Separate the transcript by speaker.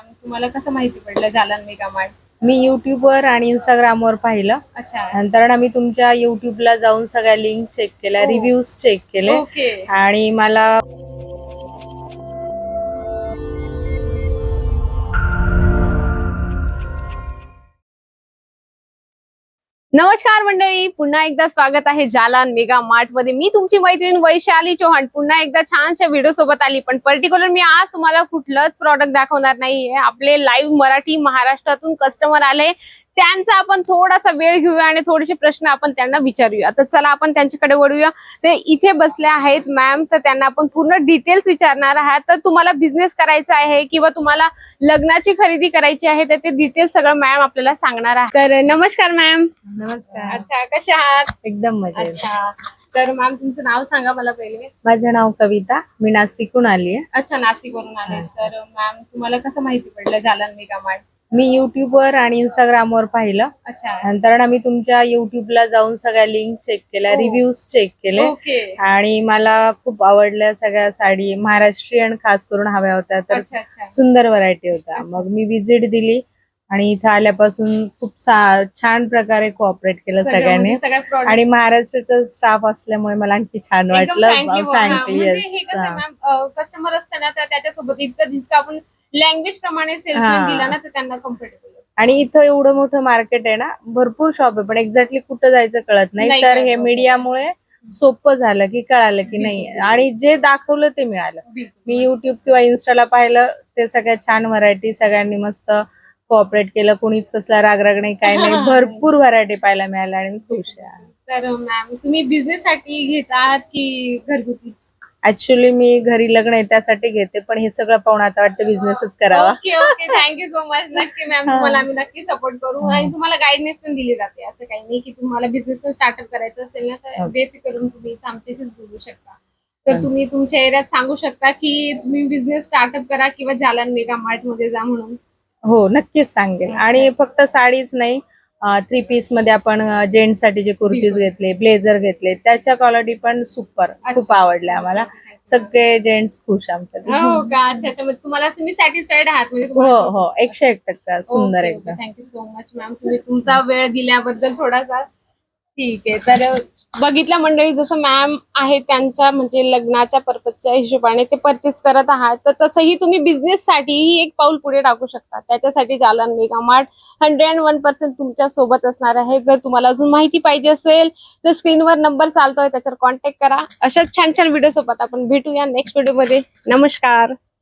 Speaker 1: Ma'am तुम्हाला कसं माहिती पडलं जालन मेगा मार्ट?
Speaker 2: मी युट्यूबवर आणि इंस्टाग्रामवर पाहिलं.
Speaker 1: अच्छा.
Speaker 2: नंतर ना मी तुमच्या युट्यूबला जाऊन सगळ्या लिंक चेक केल्या,
Speaker 1: ओ.
Speaker 2: रिव्ह्यूज चेक केले
Speaker 1: ओके.
Speaker 2: आणि मला
Speaker 1: नमस्कार मंडळी, पुन्हा एकदा स्वागत आहे जालन मेगा मार्ट मध्ये. मी तुमची मैत्रीण वैशाली चौहान पुन्हा एकदा छानशा व्हिडिओ सोबत आली. पण पर्टिक्युलर मी आज तुम्हाला कुठलंच प्रॉडक्ट दाखवणार नाहीये. आपले लाईव्ह मराठी महाराष्ट्रातून कस्टमर आले, त्यांचा आपण थोडासा वेळ घेऊया आणि थोडेसे प्रश्न आपण त्यांना विचारूया. तर चला आपण त्यांच्याकडे वळूया. ते इथे बसले आहेत मॅम, तर त्यांना आपण पूर्ण डिटेल्स विचारणार आहात. तर तुम्हाला बिझनेस करायचा आहे किंवा तुम्हाला लग्नाची खरेदी करायची आहे तर ते डिटेल्स सगळं मॅम आपल्याला सांगणार आहे. तर नमस्कार मॅम.
Speaker 2: नमस्कार.
Speaker 1: अच्छा, कसे आहात?
Speaker 2: एकदम मजेत.
Speaker 1: अच्छा, तर मॅम तुमचं नाव सांगा मला पहिले.
Speaker 2: माझं नाव कविता, मी नाशिकहून आली आहे.
Speaker 1: अच्छा, नाशिकवरून आले. तर मॅम तुम्हाला कसं माहिती पडलं जालन मेगा मार्ट?
Speaker 2: मी युट्यूबवर आणि इंस्टाग्रामवर पाहिलं.
Speaker 1: अच्छा.
Speaker 2: नंतर ना मी तुमच्या युट्यूबला जाऊन सगळ्या लिंक चेक केल्या,
Speaker 1: ओ.
Speaker 2: रिव्ह्यूज चेक केले
Speaker 1: ओके.
Speaker 2: आणि मला खूप आवडल्या सगळ्या साडी. महाराष्ट्रीयन खास करून हव्या होत्या, तर
Speaker 1: अच्छा अच्छा.
Speaker 2: सुंदर व्हरायटी होत्या.
Speaker 1: अच्छा.
Speaker 2: मग मी विजिट दिली आणि इथं आल्यापासून खूप छान प्रकारे कोऑपरेट केलं सगळ्यांनी.
Speaker 1: सगळ्या product
Speaker 2: आणि महाराष्ट्राचा स्टाफ असल्यामुळे मला आणखी छान
Speaker 1: एकदम
Speaker 2: वाटलं.
Speaker 1: thank you.
Speaker 2: थँक्यू.
Speaker 1: म्हणजे हे
Speaker 2: येस.
Speaker 1: कसं मॅम, कस्टमर असताना तर त्याच्यासोबत जितकं आपण लँग्वेज प्रमाणे सेल्समॅन दिला ना तर त्यांना कम्फर्टेबल.
Speaker 2: आणि इथं एवढं मोठं मार्केट आहे ना, भरपूर शॉप आहे, पण एक्झॅक्टली कुठं जायचं कळत नाही.
Speaker 1: नाही
Speaker 2: तर
Speaker 1: कळत.
Speaker 2: हे मीडियामुळे सोपं झालं की कळालं की नाही,
Speaker 1: बिलकुल.
Speaker 2: आणि जे दाखवलं ते मिळालं. मी युट्यूब किंवा इन्स्टाला पाहिलं ते सगळ्यात छान व्हरायटी, सगळ्यांनी मस्त कोऑपरेट केलं, कोणीच कसला रागराग नाही, काही नाही. भरपूर व्हरायटी पाहायला मिळाल्या आणि मी खुश आहे.
Speaker 1: तर मॅम तुम्ही बिझनेस साठी घेतात की घरगुतीच?
Speaker 2: ऍक्च्युली मी घरी लग्न आहे त्यासाठी घेते, पण हे सगळं पाहून आता वाटतं बिझनेसच करावा.
Speaker 1: Okay okay, thank you so much. नक्की मॅम, तुम्हाला आम्ही नक्की सपोर्ट करू आणि तुम्हाला गायडन्स पण दिली जाते. असं काही नाही की तुम्हाला बिझनेस पण स्टार्टअप करायचं असेल ना तर बेफिकरून तुम्ही आमच्याशीच बोलू शकता. तर तुम्ही तुमच्या एरियात सांगू शकता की तुम्ही बिझनेस स्टार्टअप करा किंवा जालन मेगा मार्ट मध्ये जा म्हणून.
Speaker 2: हो, नक्कीच सांगेल. आणि फक्त साडीच नाही, 3 पीस मध्ये आपण जेंट्स साठी जे कुर्तीज घेतले, ब्लेझर घेतले, त्याच्या क्वालिटी पण सुपर, खूप आवडल्या आम्हाला. सगळे जेंट्स खुश आमच्या.
Speaker 1: हो का? अच्छा अच्छा, म्हणजे तुम्ही सॅटिस्फाईड आहात म्हणजे?
Speaker 2: हो हो, 101% सुंदर एकदम.
Speaker 1: थँक्यू सो मच मॅम, तुम्ही तुमचा वेळ दिल्याबद्दल थोडासा. ठीक आहे. तर बघितल्या मंडळी, जसं मॅम आहे त्यांच्या म्हणजे लग्नाच्या पर्पजच्या हिशोबाने ते परचेस करत आहात, तर तसंही तुम्ही बिझनेस साठीही एक पाऊल पुढे टाकू शकता. त्याच्यासाठी जालन मेगा मार्ट 101% तुमच्या सोबत असणार आहे. जर तुम्हाला अजून माहिती पाहिजे असेल तर स्क्रीनवर नंबर चालतोय, त्याच्यावर कॉन्टॅक्ट करा. अशाच छान छान व्हिडिओ सोबत आपण भेटूया नेक्स्ट व्हिडिओ मध्ये. नमस्कार.